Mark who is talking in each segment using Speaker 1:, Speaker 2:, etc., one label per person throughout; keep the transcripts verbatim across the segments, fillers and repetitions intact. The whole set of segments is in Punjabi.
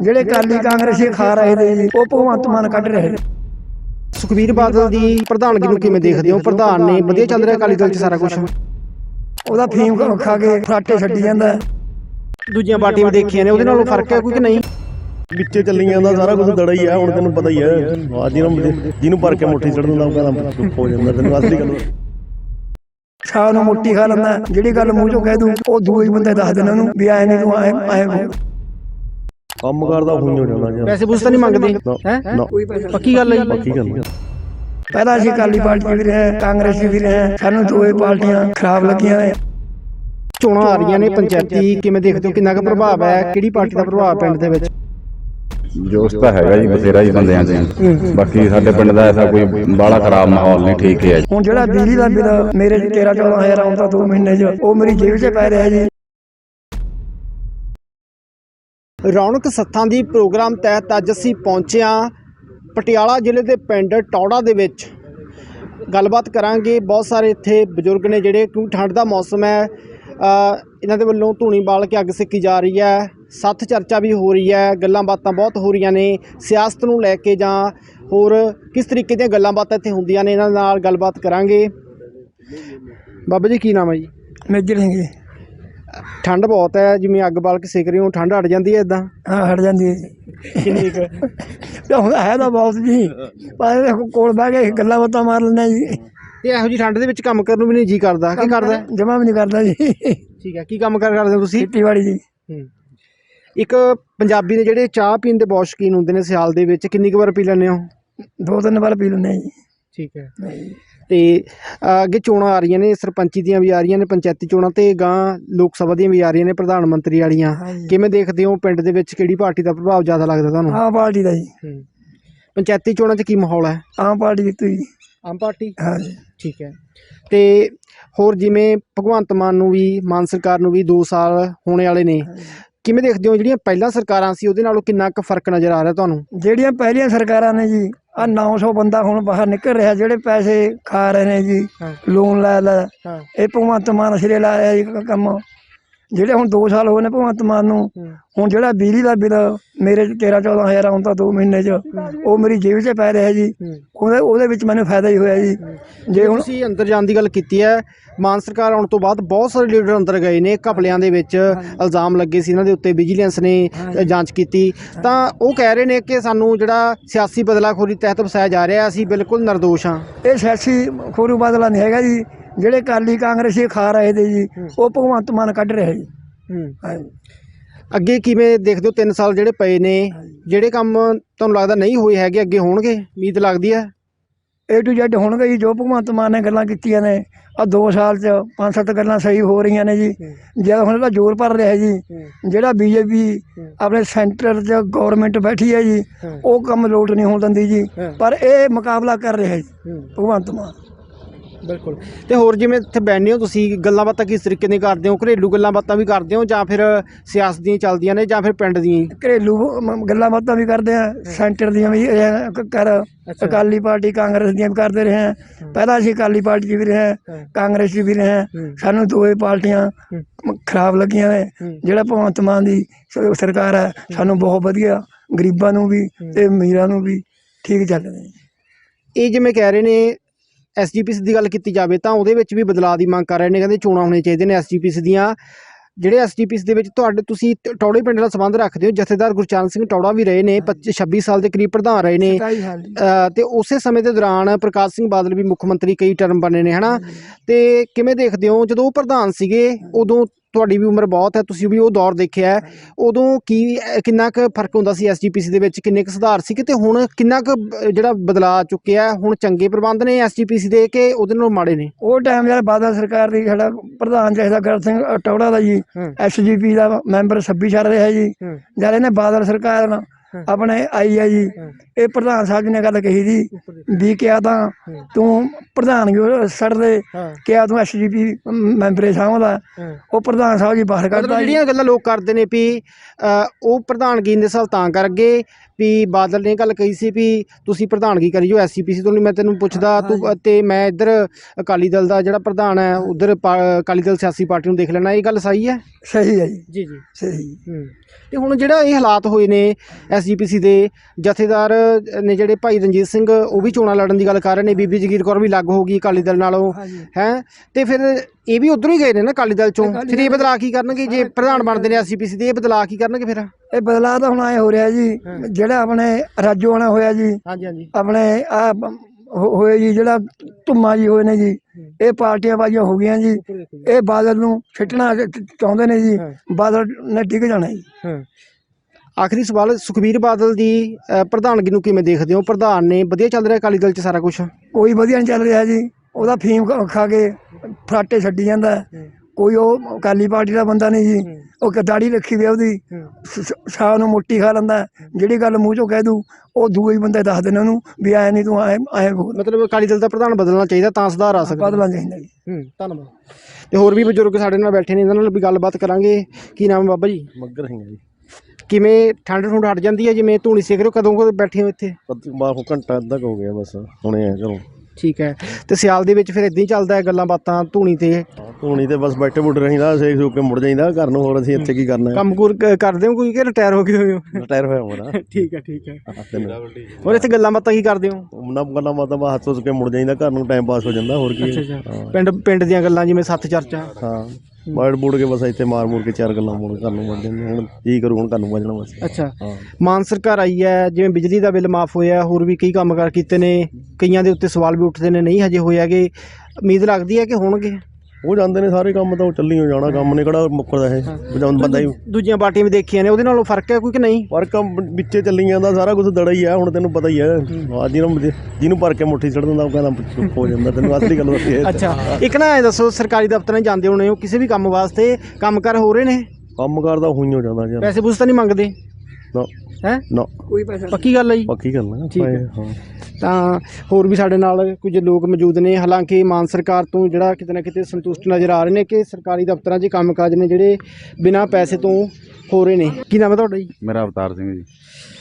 Speaker 1: ਜਿਹੜੇ ਅਕਾਲੀ ਕਾਂਗਰਸੀ ਖਾ ਰਹੇ ਨੇ ਜੀ ਉਹ ਭਗਵੰਤ ਮਾਨ ਕੱਢ ਰਹੇ ਨੇ।
Speaker 2: ਸੁਖਬੀਰ ਬਾਦਲ ਦੀ ਪ੍ਰਧਾਨਗੀ ਨੂੰ ਕਿਵੇਂ ਦੇਖਦੇ ਹੋ? ਪ੍ਰਧਾਨ ਨੇ ਵਧੀਆ ਚੱਲ ਰਿਹਾ ਅਕਾਲੀ ਦਲ 'ਚ ਸਾਰਾ ਕੁਝ,
Speaker 1: ਉਹਦਾ ਫੀਮ ਖਾ ਕੇ ਫਰਾਟੇ ਛੱਡੀ ਜਾਂਦਾ।
Speaker 2: ਦੂਜੀਆਂ ਪਾਰਟੀਆਂ ਵੀ ਦੇਖੀਆਂ ਨੇ, ਉਹਦੇ ਨਾਲੋਂ ਫਰਕ ਹੈ ਕੋਈ ਕਿ ਨਹੀਂ?
Speaker 3: ਵਿੱਚੇ ਚੱਲੀ ਜਾਂਦਾ ਸਾਰਾ ਕੁਝ ਦੜਾ ਹੀ ਹੈ। ਹੁਣ ਤੈਨੂੰ ਪਤਾ ਹੀ ਹੈ, ਆ ਜਿਹਨੂੰ ਜਿਹਨੂੰ ਭਰ ਕੇ ਮੁੱਠੀ ਚੜਨ ਦਾ ਉਹ ਕਹਿੰਦਾ ਚੁੱਪ ਹੋ ਜਾਂਦਾ। ਤੈਨੂੰ ਅਸਲੀ ਗੱਲ
Speaker 1: ਸ਼ਾਹ ਨੂੰ ਮੁੱਠੀ ਖਾ ਲੈਂਦਾ, ਜਿਹੜੀ ਗੱਲ ਮੂੰਹ ਚੋਂ ਕਹਿ ਦੂੰ ਉਹ ਦੂਏ ਬੰਦੇ ਦੱਸ ਦੇਣ ਉਹਨੂੰ ਵੀ ਆਏ ਨਹੀਂ ਤੂੰ ਆਏ ਆਏ
Speaker 3: ਕੰਮ ਕਰਦਾ ਹੋਈ ਹੋ ਜਾਂਦਾ।
Speaker 2: ਪੈਸੇ ਪੂਸੇ ਤਾਂ ਨਹੀਂ ਮੰਗਦੇ ਹੈ? ਪੱਕੀ ਗੱਲ ਹੈ ਜੀ?
Speaker 3: ਪੱਕੀ ਗੱਲ।
Speaker 1: ਪਹਿਲਾਂ ਅਸੀਂ ਅਕਾਲੀ ਪਾਰਟੀ ਵੀ ਰਹੇ, ਕਾਂਗਰਸੀ ਵੀ ਰਹੇ, ਸਾਨੂੰ ਦੋਏ ਪਾਰਟੀਆਂ ਖਰਾਬ ਲੱਗੀਆਂ ਨੇ।
Speaker 2: ਚੋਣਾਂ ਆ ਰਹੀਆਂ ਨੇ ਪੰਚਾਇਤੀ, ਕਿਵੇਂ ਦੇਖਦੇ ਹੋ? ਕਿੰਨਾ ਕੁ ਪ੍ਰਭਾਵ ਹੈ? ਕਿਹੜੀ ਪਾਰਟੀ ਦਾ ਪ੍ਰਭਾਵ ਪਿੰਡ ਦੇ ਵਿੱਚ?
Speaker 4: ਜੋਸ਼ ਤਾਂ ਹੈਗਾ ਜੀ ਬਥੇਰਾ ਜੀ ਬੰਦਿਆਂ 'ਚ। ਬਾਕੀ ਸਾਡੇ ਪਿੰਡ ਦਾ ਐਸਾ ਕੋਈ ਬਾਹਲਾ ਖਰਾਬ ਮਾਹੌਲ ਨਹੀਂ, ਠੀਕ ਹੈ।
Speaker 1: ਹੁਣ ਜਿਹੜਾ ਬਿਜਲੀ ਦਾ ਬਿੱਲ ਮੇਰੇ ਤੇਰਾਂ ਚੌਦਾਂ ਹਜ਼ਾਰ ਆਉਂਦਾ ਦੋ ਮਹੀਨੇ 'ਚ, ਉਹ ਮੇਰੀ ਜੇਬ 'ਚ ਪੈ ਰਿਹਾ ਜੀ।
Speaker 2: ਰੌਣਕ ਸੱਥਾਂ ਦੀ ਪ੍ਰੋਗਰਾਮ ਤਹਿਤ ਅੱਜ ਅਸੀਂ ਪਹੁੰਚੇ ਹਾਂ ਪਟਿਆਲਾ ਜ਼ਿਲ੍ਹੇ ਦੇ ਪਿੰਡ ਟੌੜਾ ਦੇ ਵਿੱਚ। ਗੱਲਬਾਤ ਕਰਾਂਗੇ। ਬਹੁਤ ਸਾਰੇ ਇੱਥੇ ਬਜ਼ੁਰਗ ਨੇ ਜਿਹੜੇ, ਕਿਉਂਕਿ ਠੰਡ ਦਾ ਮੌਸਮ ਹੈ, ਇਹਨਾਂ ਦੇ ਵੱਲੋਂ ਧੂਣੀ ਬਾਲ ਕੇ ਅੱਗ ਸੇਕੀ ਜਾ ਰਹੀ ਹੈ। ਸੱਥ ਚਰਚਾ ਵੀ ਹੋ ਰਹੀ ਹੈ, ਗੱਲਾਂ ਬਾਤਾਂ ਬਹੁਤ ਹੋ ਰਹੀਆਂ ਨੇ ਸਿਆਸਤ ਨੂੰ ਲੈ ਕੇ, ਜਾਂ ਹੋਰ ਕਿਸ ਤਰੀਕੇ ਦੀਆਂ ਗੱਲਾਂ ਬਾਤਾਂ ਇੱਥੇ ਹੁੰਦੀਆਂ ਨੇ। ਇਹਨਾਂ ਨਾਲ ਗੱਲਬਾਤ ਕਰਾਂਗੇ। ਬਾਬਾ ਜੀ ਕੀ ਨਾਮ ਹੈ ਜੀ?
Speaker 1: ਮੇਜਰ ਸਿੰਘ ਜੀ।
Speaker 2: ਠੰਡ ਬਹੁਤ ਹੈ, ਜਿਵੇਂ ਅੱਗ ਬਾਲ ਕੇ ਸੇਕ ਰਹੇ ਹੋ, ਠੰਡ ਹਟ ਜਾਂਦੀ ਹੈ ਇੱਦਾਂ?
Speaker 1: ਹਾਂ ਹਟ ਜਾਂਦੀ ਹੈ ਜੀ।
Speaker 2: ਕਿੰਨੀ ਕੁ?
Speaker 1: ਹੁਣ ਹੈ ਤਾਂ ਬਹੁਤ ਜੀ, ਪਰ ਕੋਲ ਬਹਿ ਕੇ ਗੱਲਾਂ ਬਾਤਾਂ ਮਾਰ ਲੈਂਦੇ ਜੀ।
Speaker 2: ਤੇ ਇਹੋ ਜਿਹੀ ਠੰਡ ਦੇ ਵਿੱਚ ਕੰਮ ਕਰਨ ਨੂੰ ਵੀ ਨਹੀਂ ਜੀ ਕਰਦਾ? ਕੀ ਕਰਦਾ?
Speaker 1: ਜਮਾ ਵੀ ਨਹੀਂ ਕਰਦਾ ਜੀ।
Speaker 2: ਠੀਕ ਹੈ। ਕੀ ਕੰਮ ਕਰ ਕਰਦੇ ਹੋ ਤੁਸੀਂ?
Speaker 1: ਖੇਤੀਬਾੜੀ ਜੀ।
Speaker 2: ਇੱਕ ਪੰਜਾਬੀ ਨੇ ਜਿਹੜੇ ਚਾਹ ਪੀਣ ਦੇ ਬਹੁਤ ਸ਼ੌਕੀਨ ਹੁੰਦੇ ਨੇ, ਸਿਆਲ ਦੇ ਵਿੱਚ ਕਿੰਨੀ ਕੁ ਵਾਰ ਪੀ ਲੈਂਦੇ ਹੋ?
Speaker 1: ਦੋ ਤਿੰਨ ਵਾਰ ਪੀ ਲੈਂਦੇ ਜੀ।
Speaker 2: ਠੀਕ ਹੈ। ਤੇ ਅੱਗੇ ਚੋਣਾਂ ਆ ਰਹੀਆਂ ਨੇ, ਸਰਪੰਚੀ ਦੀਆਂ ਵੀ ਆ ਰਹੀਆਂ ਨੇ, ਪੰਚਾਇਤੀ ਚੋਣਾਂ, ਤੇ ਗਾਂ ਲੋਕ ਸਭਾ ਦੀਆਂ ਵੀ ਆ ਰਹੀਆਂ ਨੇ, ਪ੍ਰਧਾਨ ਮੰਤਰੀ ਵਾਲੀਆਂ। ਕਿਵੇਂ ਦੇਖਦੇ ਹੋ ਪਿੰਡ ਦੇ ਵਿੱਚ ਕਿਹੜੀ ਪਾਰਟੀ ਦਾ ਪ੍ਰਭਾਵ ਜ਼ਿਆਦਾ ਲੱਗਦਾ ਤੁਹਾਨੂੰ?
Speaker 1: ਆਮ ਪਾਰਟੀ ਦਾ ਜੀ।
Speaker 2: ਪੰਚਾਇਤੀ ਚੋਣਾਂ 'ਚ ਕੀ ਮਾਹੌਲ ਹੈ?
Speaker 1: ਆਮ ਪਾਰਟੀ ਜਿੱਤੂ ਜੀ।
Speaker 2: ਆਮ ਪਾਰਟੀ?
Speaker 1: ਹਾਂ ਜੀ।
Speaker 2: ਠੀਕ ਹੈ। ਤੇ ਹੋਰ ਜਿਵੇਂ ਭਗਵੰਤ ਮਾਨ ਨੂੰ ਵੀ, ਮਾਨ ਸਰਕਾਰ ਨੂੰ ਵੀ ਦੋ ਸਾਲ ਹੋਣੇ ਵਾਲੇ ਨੇ, ਕਿਵੇਂ ਦੇਖਦੇ ਹੋ ਜਿਹੜੀਆਂ ਪਹਿਲਾਂ ਸਰਕਾਰਾਂ ਸੀ ਉਹਦੇ ਨਾਲੋਂ ਕਿੰਨਾ ਕੁ ਫਰਕ ਨਜ਼ਰ ਆ ਰਿਹਾ ਤੁਹਾਨੂੰ?
Speaker 1: ਜਿਹੜੀਆਂ ਪਹਿਲੀਆਂ ਸਰਕਾਰਾਂ ਨੇ ਜੀ, ਆ ਨੌ ਸੌ ਬੰਦਾ ਹੁਣ ਬਾਹਰ ਨਿਕਲ ਰਿਹਾ, ਜਿਹੜੇ ਪੈਸੇ ਖਾ ਰਹੇ ਨੇ ਜੀ, ਲੋਨ ਲੈ ਲੈ, ਇਹ ਭਗਵੰਤ ਮਾਨ ਸਿਰੇ ਲਾ ਰਿਹਾ ਜੀ ਕੰਮ। ਜਿਹੜੇ ਹੁਣ ਦੋ ਸਾਲ ਹੋਏ ਨੇ ਭਗਵੰਤ ਮਾਨ ਨੂੰ, ਹੁਣ ਜਿਹੜਾ ਬਿਜਲੀ ਦਾ ਬਿੱਲ ਮੇਰੇ ਤੇਰਾਂ ਚੌਦਾਂ ਹਜ਼ਾਰ ਆਉਂਦਾ ਦੋ ਮਹੀਨੇ 'ਚ, ਉਹ ਮੇਰੀ ਜੇਬ 'ਚ ਪੈ ਰਿਹਾ ਜੀ। ਉਹਦੇ ਉਹਦੇ ਵਿੱਚ ਮੈਨੂੰ ਫਾਇਦਾ ਹੀ ਹੋਇਆ ਜੀ। ਜੇ ਹੁਣ
Speaker 2: ਤੁਸੀਂ ਅੰਦਰ ਜਾਣ ਦੀ ਗੱਲ ਕੀਤੀ ਹੈ, ਮਾਨ ਸਰਕਾਰ ਆਉਣ ਤੋਂ ਬਾਅਦ ਬਹੁਤ ਸਾਰੇ ਲੀਡਰ ਅੰਦਰ ਗਏ ਨੇ, ਘਪਲਿਆਂ ਦੇ ਵਿੱਚ ਇਲਜ਼ਾਮ ਲੱਗੇ ਸੀ ਇਹਨਾਂ ਦੇ ਉੱਤੇ, ਵਿਜੀਲੈਂਸ ਨੇ ਜਾਂਚ ਕੀਤੀ, ਤਾਂ ਉਹ ਕਹਿ ਰਹੇ ਨੇ ਕਿ ਸਾਨੂੰ ਜਿਹੜਾ ਸਿਆਸੀ ਬਦਲਾਖੋਰੀ ਤਹਿਤ ਵਸਾਇਆ ਜਾ ਰਿਹਾ, ਅਸੀਂ ਬਿਲਕੁਲ ਨਿਰਦੋਸ਼ ਹਾਂ।
Speaker 1: ਇਹ ਸਿਆਸੀ ਖੋਰੂ ਬਦਲਾ ਨਹੀਂ ਹੈਗਾ ਜੀ। ਜਿਹੜੇ ਅਕਾਲੀ ਕਾਂਗਰਸੀ ਖਾ ਰਹੇ ਨੇ ਜੀ, ਉਹ ਭਗਵੰਤ ਮਾਨ ਕੱਢ ਰਿਹਾ ਜੀ।
Speaker 2: ਅੱਗੇ ਕਿਵੇਂ ਦੇਖਦੇ ਹੋ? ਤਿੰਨ ਸਾਲ ਜਿਹੜੇ ਪਏ ਨੇ, ਜਿਹੜੇ ਕੰਮ ਤੁਹਾਨੂੰ ਲੱਗਦਾ ਨਹੀਂ ਹੋਏ ਹੈਗੇ, ਅੱਗੇ ਹੋਣਗੇ? ਉਮੀਦ ਲੱਗਦੀ ਹੈ
Speaker 1: ਏ ਟੂ ਜ਼ੈਡ ਹੋਣਗੇ ਜੀ। ਜੋ ਭਗਵੰਤ ਮਾਨ ਨੇ ਗੱਲਾਂ ਕੀਤੀਆਂ ਨੇ ਆ ਦੋ ਸਾਲ 'ਚ, ਪੰਜ ਸੱਤ ਗੱਲਾਂ ਸਹੀ ਹੋ ਰਹੀਆਂ ਨੇ ਜੀ। ਜਦੋਂ ਹੁਣ ਇਹਦਾ ਜ਼ੋਰ ਭਰ ਰਿਹਾ ਜੀ, ਜਿਹੜਾ ਬੀਜੇਪੀ ਆਪਣੇ ਸੈਂਟਰ 'ਚ ਗੌਰਮੈਂਟ ਬੈਠੀ ਹੈ ਜੀ, ਉਹ ਕੰਮ ਲੋਟ ਨਹੀਂ ਹੋਣ ਦਿੰਦੀ ਜੀ, ਪਰ ਇਹ ਮੁਕਾਬਲਾ ਕਰ ਰਿਹਾ ਜੀ ਭਗਵੰਤ ਮਾਨ।
Speaker 2: ਬਿਲਕੁਲ। ਤੇ ਹੋਰ ਜਿਵੇਂ ਇੱਥੇ ਬੈਠਦੇ ਹੋ ਤੁਸੀਂ, ਗੱਲਾਂ ਬਾਤਾਂ ਕਿਸ ਤਰੀਕੇ ਦੀਆਂ ਕਰਦੇ ਹੋ? ਘਰੇਲੂ ਗੱਲਾਂ ਬਾਤਾਂ ਵੀ ਕਰਦੇ ਹੋ, ਜਾਂ ਫਿਰ ਸਿਆਸਤ ਦੀਆਂ ਚੱਲਦੀਆਂ ਨੇ, ਜਾਂ ਫਿਰ ਪਿੰਡ ਦੀਆਂ?
Speaker 1: ਘਰੇਲੂ ਗੱਲਾਂ ਬਾਤਾਂ ਵੀ ਕਰਦੇ ਆ, ਸੈਂਟਰ ਦੀਆਂ ਵੀ ਕਰ, ਅਕਾਲੀ ਪਾਰਟੀ ਕਾਂਗਰਸ ਦੀਆਂ ਵੀ ਕਰਦੇ ਰਹੇ ਹਾਂ। ਪਹਿਲਾਂ ਅਸੀਂ ਅਕਾਲੀ ਪਾਰਟੀ 'ਚ ਵੀ ਰਹੇ ਹਾਂ, ਕਾਂਗਰਸ 'ਚ ਵੀ ਰਹੇ ਹਾਂ। ਸਾਨੂੰ ਦੋਵੇਂ ਪਾਰਟੀਆਂ ਖਰਾਬ ਲੱਗੀਆਂ ਨੇ। ਜਿਹੜਾ ਭਗਵੰਤ ਮਾਨ ਦੀ ਸਰਕਾਰ ਹੈ, ਸਾਨੂੰ ਬਹੁਤ ਵਧੀਆ, ਗਰੀਬਾਂ ਨੂੰ ਵੀ ਤੇ ਅਮੀਰਾਂ ਨੂੰ ਵੀ ਠੀਕ ਚੱਲ ਰਿਹਾ।
Speaker 2: ਇਹ ਜਿਵੇਂ ਕਹਿ ਰਹੇ ਨੇ ਐਸ ਜੀ ਪੀ ਸੀ ਦੀ ਗੱਲ ਕੀਤੀ ਜਾਵੇ ਤਾਂ ਉਹਦੇ ਵਿੱਚ ਵੀ ਬਦਲਾਅ ਦੀ ਮੰਗ ਕਰ ਰਹੇ ਨੇ, ਕਹਿੰਦੇ ਚੋਣਾਂ ਹੋਣੀਆਂ ਚਾਹੀਦੀਆਂ ਨੇ ਐਸ ਜੀ ਪੀ ਸੀ ਦੀਆਂ। ਜਿਹੜੇ ਐਸ ਜੀ ਪੀ ਸੀ ਦੇ ਵਿੱਚ ਤੁਹਾਡੇ, ਤੁਸੀਂ ਟੌੜੇ ਪਿੰਡ ਨਾਲ ਸੰਬੰਧ ਰੱਖਦੇ ਹੋ, ਜਥੇਦਾਰ ਗੁਰਚਰਨ ਸਿੰਘ ਟੌੜਾ ਵੀ ਰਹੇ ਨੇ, ਪੱਚੀ ਛੱਬੀ ਸਾਲ ਦੇ ਕਰੀਬ ਪ੍ਰਧਾਨ ਰਹੇ ਨੇ, ਤੇ ਉਸੇ ਸਮੇਂ ਦੇ ਦੌਰਾਨ ਪ੍ਰਕਾਸ਼ ਸਿੰਘ ਬਾਦਲ ਵੀ ਮੁੱਖ ਮੰਤਰੀ ਕਈ ਟਰਮ ਬਣੇ ਨੇ, ਹੈ ਨਾ? ਤੇ ਕਿਵੇਂ ਦੇਖਦੇ ਹੋ ਜਦੋਂ ਉਹ ਪ੍ਰਧਾਨ ਸੀਗੇ, ਉਦੋਂ ਤੁਹਾਡੀ ਵੀ ਉਮਰ ਬਹੁਤ ਹੈ, ਤੁਸੀਂ ਵੀ ਉਹ ਦੌਰ ਦੇਖਿਆ, ਉਦੋਂ ਕੀ ਕਿੰਨਾ ਕੁ ਫਰਕ ਹੁੰਦਾ ਸੀ ਐਸ ਜੀ ਪੀ ਸੀ ਦੇ ਵਿੱਚ, ਕਿੰਨੇ ਕੁ ਸੁਧਾਰ ਸੀ, ਤੇ ਹੁਣ ਕਿੰਨਾ ਕੁ ਜਿਹੜਾ ਬਦਲਾਅ ਆ ਚੁੱਕਿਆ? ਹੁਣ ਚੰਗੇ ਪ੍ਰਬੰਧ ਨੇ ਐਸ ਜੀ ਪੀ ਸੀ ਦੇ ਕਿ ਉਹਦੇ ਨਾਲੋਂ ਮਾੜੇ ਨੇ?
Speaker 1: ਉਹ ਟਾਈਮ ਯਾਰ ਬਾਦਲ ਸਰਕਾਰ ਦੀ, ਸਾਡਾ ਪ੍ਰਧਾਨ ਜਥੇਦਾਰ ਗੁਰਚਰਨ ਸਿੰਘ ਟੌੜਾ ਦਾ ਜੀ ਐਸ ਜੀ ਪੀ ਦਾ ਮੈਂਬਰ ਛੱਬੀ ਸਾਲ ਰਿਹਾ ਜੀ। ਜਦ ਇਹਨੇ ਬਾਦਲ ਸਰਕਾਰ ਆਪਣੇ ਆਈ ਆ ਜੀ ਇਹ ਪ੍ਰਧਾਨ ਸਾਹਿਬ ਜੀ ਨੇ ਗੱਲ ਕਹੀ ਸੀ ਵੀ ਕਿਹਾ ਤਾਂ ਤੂੰ ਪ੍ਰਧਾਨਗੀ ਛੱਡਦੇ ਕਿਹਾ ਤੂੰ ਐਸ ਜੀ ਪੀ ਮੈਂਬਰੇ ਸਾਂਭਦਾ ਉਹ ਪ੍ਰਧਾਨ ਸਾਹਿਬ ਜੀ ਬਾਹਰ
Speaker 2: ਮਤਲਬ
Speaker 1: ਕੱਢਦਾ ਜੀ।
Speaker 2: ਜਿਹੜੀਆਂ ਗੱਲਾਂ ਲੋਕ ਕਰਦੇ ਨੇ ਵੀ ਅ, ਉਹ ਪ੍ਰਧਾਨਗੀ ਦੇ ਸਾਲ ਤਾਂ ਕਰ ਗਏ ਵੀ ਬਾਦਲ ਨੇ ਗੱਲ ਕਹੀ ਸੀ ਵੀ ਤੁਸੀਂ ਪ੍ਰਧਾਨਗੀ ਕਰੀ ਜੋ ਐਸ ਸੀ ਪੀ ਸੀ ਤੋਂ ਨਹੀਂ। ਮੈਂ ਤੈਨੂੰ ਪੁੱਛਦਾ ਤੂੰ ਤੇ ਮੈਂ ਇੱਧਰ ਅਕਾਲੀ ਦਲ ਦਾ ਜਿਹੜਾ ਪ੍ਰਧਾਨ ਹੈ ਉਧਰ ਅਕਾਲੀ ਦਲ ਸਿਆਸੀ ਪਾਰਟੀ ਨੂੰ ਦੇਖ ਲੈਣਾ, ਇਹ ਗੱਲ ਸਹੀ ਹੈ?
Speaker 1: ਸਹੀ ਹੈ ਜੀ
Speaker 2: ਜੀ ਜੀ
Speaker 1: ਸਹੀ।
Speaker 2: ਤੇ ਹੁਣ ਜਿਹੜਾ ਇਹ ਹਾਲਾਤ ਹੋਏ ਨੇ ਐਸ ਜੀ ਪੀ ਸੀ ਦੇ ਜਥੇਦਾਰ ਨੇ ਜਿਹੜੇ ਭਾਈ ਰਣਜੀਤ ਸਿੰਘ ਉਹ ਵੀ ਚੋਣਾਂ ਲੜਨ ਦੀ ਗੱਲ ਕਰ ਰਹੇ ਨੇ, ਬੀਬੀ ਜਗੀਰ ਕੌਰ ਵੀ ਲੱਗ ਹੋ ਗਈ ਅਕਾਲੀ ਦਲ ਨਾਲੋਂ ਹੈ, ਤੇ ਫਿਰ ਇਹ ਵੀ ਉਧਰੋਂ ਹੀ ਗਏ ਨੇ ਨਾ ਅਕਾਲੀ ਦਲ ਚੋਂ। ਫਿਰ ਇਹ ਬਦਲਾਅ ਕੀ ਕਰਨਗੇ ਜੇ ਪ੍ਰਧਾਨ ਬਣਦੇ ਨੇ ਐਸ ਜੀ ਪੀ ਸੀ ਦੇ, ਇਹ ਬਦਲਾਅ ਕੀ ਕਰਨਗੇ ਫਿਰ?
Speaker 1: ਇਹ ਬਦਲਾਅ ਤਾਂ ਹੁਣ ਆਏ ਹੋ ਰਿਹਾ ਜੀ ਜਿਹੜਾ ਆਪਣੇ ਰਾਜੋਆਣਾ ਹੋਇਆ ਜੀ
Speaker 2: ਹਾਂਜੀ ਹਾਂਜੀ
Speaker 1: ਆਪਣੇ ਆ ਹੋਏ ਜੀ ਜਿਹੜਾ ਧੁੰਮਾ ਜੀ ਹੋਏ ਨੇ ਜੀ ਇਹ ਪਾਰਟੀਆਂ ਬਾਜ਼ੀਆਂ ਹੋ ਗਈਆਂ ਜੀ। ਇਹ ਬਾਦਲ ਨੂੰ ਛੱਡਣਾ ਚਾਹੁੰਦੇ ਨੇ ਜੀ, ਬਾਦਲ ਨੇ ਡਿੱਗ ਜਾਣਾ ਜੀ।
Speaker 2: ਆਖਰੀ ਸਵਾਲ, ਸੁਖਬੀਰ ਬਾਦਲ ਦੀ ਅ, ਪ੍ਰਧਾਨਗੀ ਨੂੰ ਕਿਵੇਂ ਦੇਖਦੇ ਹੋ? ਪ੍ਰਧਾਨ ਨੇ ਵਧੀਆ ਚੱਲ ਰਿਹਾ ਅਕਾਲੀ ਦਲ 'ਚ ਸਾਰਾ ਕੁਝ?
Speaker 1: ਕੋਈ ਵਧੀਆ ਨਹੀਂ ਚੱਲ ਰਿਹਾ ਜੀ, ਉਹਦਾ ਫੀਮ ਖਾ- ਖਾ ਕੇ ਫਰਾਟੇ ਛੱਡੀ ਜਾਂਦਾ ਹੈ। ਕੋਈ ਉਹ ਅਕਾਲੀ ਪਾਰਟੀ ਦਾ ਬੰਦਾ ਨਹੀਂ ਜੀ, ਉਹ ਦਾੜੀ ਰੱਖੀ ਵੀ ਉਹਦੀ ਸ਼ਾਹ ਨੂੰ ਮੋਟੀ ਖਾ ਲੈਂਦਾ ਹੈ। ਜਿਹੜੀ ਗੱਲ ਮੂੰਹ ਚੋਂ ਕਹਿ ਦੂ ਉਹ ਦੂਏ ਬੰਦੇ ਦੱਸ ਦੇਣ ਉਹਨੂੰ ਵੀ ਐ ਨਹੀਂ ਤੂੰ ਐ ਐ ਬੋਲ।
Speaker 2: ਮਤਲਬ ਅਕਾਲੀ ਦਲ ਦਾ ਪ੍ਰਧਾਨ ਬਦਲਣਾ ਚਾਹੀਦਾ ਤਾਂ ਸੁਧਾਰ ਆ ਸਕਦਾ।
Speaker 1: ਬਦਲਣਾ ਚਾਹੀਦਾ ਜੀ।
Speaker 2: ਹੂੰ ਧੰਨਵਾਦ। ਤੇ ਹੋਰ ਵੀ ਬਜ਼ੁਰਗ ਸਾਡੇ ਨਾਲ ਬੈਠੇ ਨੇ, ਇਹਨਾਂ ਨਾਲ ਵੀ ਗੱਲਬਾਤ ਕਰਾਂਗੇ। ਕੀ ਨਾਮ ਹੈ ਬਾਬਾ ਜੀ?
Speaker 3: ਮੱਗਰ ਸਿੰਘ ਜੀ।
Speaker 2: ਕਿਵੇਂ ਠੰਡ ਠੁੰਡ ਹਟ ਜਾਂਦੀ ਹੈ ਜਿਵੇਂ ਧੂਣੀ ਸੇਕ ਰਹੇ ਹੋ? ਕਦੋਂ ਕਦੋਂ ਬੈਠੇ ਹੋ ਇੱਥੇ?
Speaker 3: ਬਾਹਰ ਘੰਟਾ ਅੱਧਾ ਕੁ ਹੋ ਗਿਆ ਬਸ, ਹੁਣੇ ਆ ਘਰੋਂ।
Speaker 2: ਠੀਕ ਹੈ। ਤੇ ਸਿਆਲ ਦੇ ਵਿੱਚ ਫਿਰ ਇਦਾਂ ਹੀ ਚੱਲਦਾ ਹੈ ਗੱਲਾਂ ਬਾਤਾਂ ਧੂਣੀ ਤੇ?
Speaker 3: ਧੂਣੀ ਤੇ ਬਸ ਬੈਠੇ ਬੁੱਢ ਰਹੀਦਾ, ਸੇਕ ਸੂਕ ਕੇ ਮੁੜ ਜਾਈਦਾ ਘਰ ਨੂੰ। ਹੋਰ ਅਸੀਂ ਇੱਥੇ ਕੀ ਕਰਨਾ ਹੈ?
Speaker 2: ਕੰਮ ਕੁਰ ਕ- ਕਰਦੇ ਹੋ ਕੋਈ ਕਿ ਰਿਟਾਇਰ ਹੋ ਗਏ ਹੋਏ ਹੋ?
Speaker 3: ਰਿਟਾਇਰ ਹੋਇਆ ਹੋਣਾ।
Speaker 2: ਠੀਕ ਹੈ ਠੀਕ ਹੈ। ਹੋਰ ਇੱਥੇ ਗੱਲਾਂ ਬਾਤਾਂ ਕੀ ਕਰਦੇ ਹੋ?
Speaker 3: ਨਾ ਗੱਲਾਂ ਬਾਤਾਂ ਬਸ ਹੱਥ ਹੁੱਥ ਕੇ ਮੁੜ ਜਾਈਦਾ ਘਰ ਨੂੰ, ਟਾਈਮ ਪਾਸ ਹੋ ਜਾਂਦਾ। ਹੋਰ ਕੀ ਹੈ? ਹਾਂ।
Speaker 2: ਪਿੰਡ ਪਿੰਡ ਦੀਆਂ ਗੱਲਾਂ ਜਿਵੇਂ ਸੱਤ ਚਰਚਾ?
Speaker 3: ਹਾਂ ਬਾੜ ਬੁੜ ਕੇ ਬਸ ਇੱਥੇ ਮਾਰ ਮੂਰ ਕੇ ਚਾਰ ਗੱਲਾਂ ਮੁੜ ਘਰ ਨੂੰ ਵੱਜ ਜਾਂਦੀਆਂ। ਹੁਣ ਕੀ ਕਰੂ, ਹੁਣ ਘਰ ਨੂੰ ਵੱਜਣਾ ਬਸ।
Speaker 2: ਅੱਛਾ।
Speaker 3: ਹਾਂ
Speaker 2: ਮਾਨ ਸਰਕਾਰ ਆਈ ਹੈ, ਜਿਵੇਂ ਬਿਜਲੀ ਦਾ ਬਿੱਲ ਮਾਫ ਹੋਇਆ, ਹੋਰ ਵੀ ਕਈ ਕੰਮ ਕਾਰ ਕੀਤੇ ਨੇ, ਕਈਆਂ ਦੇ ਉੱਤੇ ਸਵਾਲ ਵੀ ਉੱਠਦੇ ਨੇ ਨਹੀਂ ਹਜੇ ਹੋਏ ਹੈਗੇ, ਉਮੀਦ ਲੱਗਦੀ ਹੈ ਕਿ ਹੋਣਗੇ?
Speaker 3: ਉਹ ਜਾਂਦੇ ਨੇ ਸਾਰੇ ਕੰਮ ਤਾਂ ਉਹ ਚੱਲੀ ਹੋ ਜਾਣਾ, ਕੰਮ ਨੇ ਕਿਹੜਾ ਮੁੱਕਰਦਾ ਇਹ ਵਜਾਉਣ ਬੰਦਾ ਹੀ।
Speaker 2: ਦੂਜੀਆਂ ਪਾਰਟੀਆਂ ਵੀ ਦੇਖੀਆਂ ਨੇ, ਉਹਦੇ ਨਾਲੋਂ ਫਰਕ ਹੈ ਕੋਈ ਕਿ ਨਹੀਂ?
Speaker 3: ਪਰ ਕੰਮ ਵਿੱਚੇ ਚੱਲੀ ਜਾਂਦਾ, ਸਾਰਾ ਕੁਝ ਦੜਾ ਹੀ ਹੈ। ਹੁਣ ਤੈਨੂੰ ਪਤਾ ਹੀ ਹੈ, ਆ ਜਿਹਨੂੰ ਜਿਹਨੂੰ ਭਰ ਕੇ ਮੁੱਠੀ ਛੱਡ ਦਿੰਦਾ ਉਹ ਕਹਿੰਦਾ ਚੁੱਪ ਹੋ ਜਾਂਦਾ। ਤੈਨੂੰ ਅਸਲੀ ਗੱਲ ਦੱਸੀ ਹੈ।
Speaker 2: ਅੱਛਾ, ਇੱਕ ਨਾ ਇਹ ਦੱਸੋ, ਸਰਕਾਰੀ ਦਫ਼ਤਰਾਂ 'ਚ ਜਾਂਦੇ ਹੋਣੇ ਹੋ ਕਿਸੇ ਵੀ ਕੰਮ ਵਾਸਤੇ, ਕੰਮ ਕਾਰ ਹੋ ਰਹੇ ਨੇ?
Speaker 3: ਕੰਮ ਕਰਦਾ ਹੋਈ ਹੋ ਜਾਂਦਾ ਯਾਰ।
Speaker 2: ਪੈਸੇ ਪੂਸੇ ਤਾਂ ਨਹੀਂ ਮੰਗਦੇ
Speaker 3: ਨਾ
Speaker 2: ਹੈ?
Speaker 3: ਨਾ
Speaker 1: ਕੋਈ ਪੈਸਾ
Speaker 2: ਪੱਕੀ ਗੱਲ ਹੈ ਜੀ?
Speaker 3: ਪੱਕੀ ਗੱਲ ਹੈ।
Speaker 2: ਠੀਕ ਹੈ।
Speaker 3: ਹਾਂ
Speaker 2: ਤਾਂ ਹੋਰ ਵੀ ਸਾਡੇ ਨਾਲ ਕੁਝ ਲੋਕ ਮੌਜੂਦ ਨੇ, ਹਾਲਾਂਕਿ ਮਾਨ ਸਰਕਾਰ ਤੋਂ ਜਿਹੜਾ ਕਿਤੇ ਨਾ ਕਿਤੇ ਸੰਤੁਸ਼ਟ ਨਜ਼ਰ ਆ ਰਹੇ ਨੇ ਕਿ ਸਰਕਾਰੀ ਦਫ਼ਤਰਾਂ 'ਚ ਕੰਮਕਾਜ ਨੇ ਜਿਹੜੇ ਬਿਨਾਂ ਪੈਸੇ ਤੋਂ ਹੋ ਰਹੇ ਨੇ। ਕੀ ਨਾਮ ਹੈ ਤੁਹਾਡਾ ਜੀ?
Speaker 4: ਮੇਰਾ ਅਵਤਾਰ ਸਿੰਘ ਜੀ।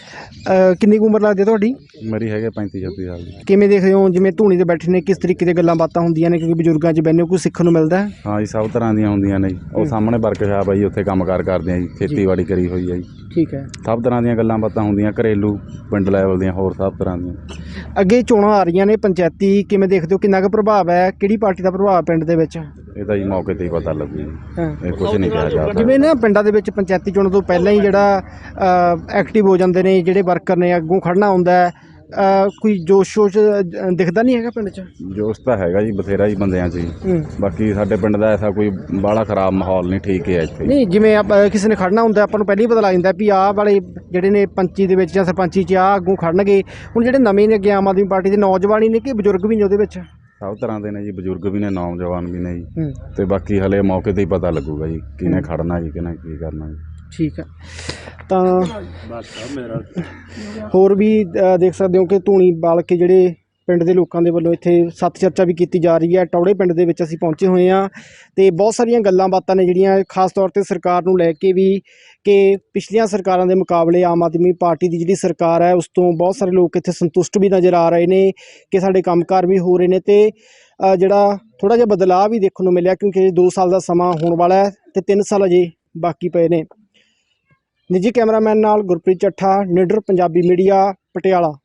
Speaker 2: ਅਹ ਕਿੰਨੀ ਕੁ ਉਮਰ ਲੱਗਦੀ ਹੈ ਤੁਹਾਡੀ?
Speaker 4: ਮੇਰੀ ਹੈਗੇ ਪੈਂਤੀ ਛੱਤੀ ਸਾਲ ਦੀ।
Speaker 2: ਕਿਵੇਂ ਦੇਖਦੇ ਹੋ ਜਿਵੇਂ ਧੂਣੀ ਤੇ ਬੈਠੇ ਨੇ, ਕਿਸ ਤਰੀਕੇ ਦੀਆਂ ਗੱਲਾਂ ਬਾਤਾਂ ਹੁੰਦੀਆਂ ਨੇ? ਕਿਉਂਕਿ ਬਜ਼ੁਰਗਾਂ 'ਚ ਬੈਠੇ ਹੋ, ਕੁਝ ਸਿੱਖਣ ਨੂੰ ਮਿਲਦਾ ਹੈ?
Speaker 4: ਹਾਂ ਜੀ, ਸਭ ਤਰ੍ਹਾਂ ਦੀਆਂ ਹੁੰਦੀਆਂ ਨੇ ਜੀ। ਉਹ ਸਾਹਮਣੇ ਵਰਕਸ਼ਾਪ ਆ ਜੀ, ਉੱਥੇ ਕੰਮਕਾਰ ਕਰਦੇ ਆ ਜੀ, ਖੇਤੀਬਾੜੀ ਕਰੀ ਹੋਈ ਹੈ ਜੀ।
Speaker 2: ਠੀਕ ਹੈ।
Speaker 4: ਸਭ ਤਰ੍ਹਾਂ ਦੀਆਂ ਗੱਲਾਂ ਬਾਤਾਂ ਹੁੰਦੀਆਂ, ਘਰੇਲੂ, ਪਿੰਡ ਲੈਵਲ ਦੀਆਂ, ਹੋਰ ਸਭ ਤਰ੍ਹਾਂ ਦੀਆਂ।
Speaker 2: ਅੱਗੇ ਚੋਣਾਂ ਆ ਰਹੀਆਂ ਨੇ ਪੰਚਾਇਤੀ, ਕਿਵੇਂ ਦੇਖਦੇ ਹੋ ਕਿੰਨਾ ਕੁ ਪ੍ਰਭਾਵ ਹੈ? ਕਿਹੜੀ ਪਾਰਟੀ ਦਾ ਪ੍ਰਭਾਵ ਪਿੰਡ ਦੇ ਵਿੱਚ?
Speaker 4: ਇਹ ਤਾਂ ਜੀ ਮੌਕੇ 'ਤੇ ਹੀ ਪਤਾ ਲੱਗੂ ਜੀ,
Speaker 2: ਹਾਂ।
Speaker 4: ਇਹ ਕੁਝ ਨਹੀਂ ਕਿਹਾ ਜਾ ਸਕਦਾ।
Speaker 2: ਜਿਵੇਂ ਨਾ ਪਿੰਡਾਂ ਦੇ ਵਿੱਚ ਪੰਚਾਇਤੀ ਚੋਣ ਤੋਂ ਪਹਿਲਾਂ ਹੀ ਜਿਹੜਾ ਐਕਟਿਵ ਹੋ ਜਾਂਦੇ ਨੇ ਜਿਹੜੇ ਵਰਕਰ ਨੇ, ਅੱਗੋਂ ਖੜਨਾ ਹੁੰਦਾ ਹੈ, ਅਹ ਕੋਈ ਜੋਸ਼ ਸ਼ੋਸ਼ ਅ, ਦਿਖਦਾ ਨਹੀਂ ਹੈਗਾ ਪਿੰਡ 'ਚ?
Speaker 4: ਜੋਸ਼ ਤਾਂ ਹੈਗਾ ਜੀ ਬਥੇਰਾ ਜੀ ਬੰਦਿਆਂ 'ਚ ਜੀ।
Speaker 2: ਹੂੰ।
Speaker 4: ਬਾਕੀ ਸਾਡੇ ਪਿੰਡ ਦਾ ਐਸਾ ਕੋਈ ਬਾਹਲਾ ਖਰਾਬ ਮਾਹੌਲ ਨਹੀਂ, ਠੀਕ ਹੈ ਇੱਥੇ।
Speaker 2: ਨਹੀਂ, ਜਿਵੇਂ ਆਪਾਂ ਕਿਸੇ ਨੇ ਖੜਨਾ ਹੁੰਦਾ ਆਪਾਂ ਨੂੰ ਪਹਿਲਾਂ ਹੀ ਪਤਾ ਲੱਗ ਜਾਂਦਾ ਵੀ ਆਹ ਵਾਲੇ ਜਿਹੜੇ ਨੇ ਪੰਚੀ ਦੇ ਵਿੱਚ ਜਾਂ ਸਰਪੰਚੀ 'ਚ ਆਹ ਅੱਗੋਂ ਖੜਨਗੇ। ਹੁਣ ਜਿਹੜੇ ਨਵੇਂ ਨੇ ਅੱਗੇ ਆਮ ਆਦਮੀ ਪਾਰਟੀ ਦੇ, ਨੌਜਵਾਨ ਹੀ ਨੇ ਕਿ ਬਜ਼ੁਰਗ ਵੀ ਨੇ ਉਹਦੇ ਵਿੱਚ?
Speaker 4: ਸਭ ਤਰ੍ਹਾਂ ਦੇ ਨੇ ਜੀ, ਬਜ਼ੁਰਗ ਵੀ ਨੇ, ਨੌਜਵਾਨ ਵੀ ਨੇ ਜੀ।
Speaker 2: ਹੂੰ।
Speaker 4: ਤੇ ਬਾਕੀ ਹਲੇ ਮੌਕੇ 'ਤੇ ਹੀ ਪਤਾ ਲੱਗੂਗਾ ਜੀ ਕਿਹਨੇ ਖੜਨਾ ਜੀ, ਕਿਹਨੇ ਕੀ ਕਰਨਾ ਜੀ।
Speaker 2: ਠੀਕ ਹੈ। ਤਾਂ ਹੋਰ ਵੀ ਅ, ਦੇਖ ਸਕਦੇ ਹੋ ਕਿ ਧੂਣੀ ਬਾਲ ਕੇ ਜਿਹੜੇ ਪਿੰਡ ਦੇ ਲੋਕਾਂ ਦੇ ਵੱਲੋਂ ਇੱਥੇ ਸੱਤ ਚਰਚਾ ਵੀ ਕੀਤੀ ਜਾ ਰਹੀ ਹੈ। ਟੌੜੇ ਪਿੰਡ ਦੇ ਵਿੱਚ ਅਸੀਂ ਪਹੁੰਚੇ ਹੋਏ ਹਾਂ ਤੇ ਬਹੁਤ ਸਾਰੀਆਂ ਗੱਲਾਂ ਬਾਤਾਂ ਨੇ ਜਿਹੜੀਆਂ ਖਾਸ ਤੌਰ ਤੇ ਸਰਕਾਰ ਨੂੰ ਲੈ ਕੇ ਵੀ, ਕਿ ਪਿਛਲੀਆਂ ਸਰਕਾਰਾਂ ਦੇ ਮੁਕਾਬਲੇ ਆਮ ਆਦਮੀ ਪਾਰਟੀ ਦੀ ਜਿਹੜੀ ਸਰਕਾਰ ਹੈ ਉਸ ਤੋਂ ਬਹੁਤ ਸਾਰੇ ਲੋਕ ਇੱਥੇ ਸੰਤੁਸ਼ਟ ਵੀ ਨਜ਼ਰ ਆ ਰਹੇ ਨੇ ਕਿ ਸਾਡੇ ਕੰਮਕਾਰ ਵੀ ਹੋ ਰਹੇ ਨੇ ਤੇ ਅ, ਜਿਹੜਾ ਥੋੜ੍ਹਾ ਜਿਹਾ ਬਦਲਾਅ ਵੀ ਦੇਖਣ ਨੂੰ ਮਿਲਿਆ, ਕਿਉਂਕਿ ਦੋ ਸਾਲ ਦਾ ਸਮਾਂ ਹੋਣ ਵਾਲਾ ਹੈ ਤੇ ਤਿੰਨ ਸਾਲ ਅਜੇ ਬਾਕੀ ਪਏ ਨੇ। ਨਿੱਜੀ ਕੈਮਰਾਮੈਨ ਨਾਲ ਗੁਰਪ੍ਰੀਤ ਚੱਠਾ, ਨਿਡਰ ਪੰਜਾਬੀ ਮੀਡੀਆ, ਪਟਿਆਲਾ।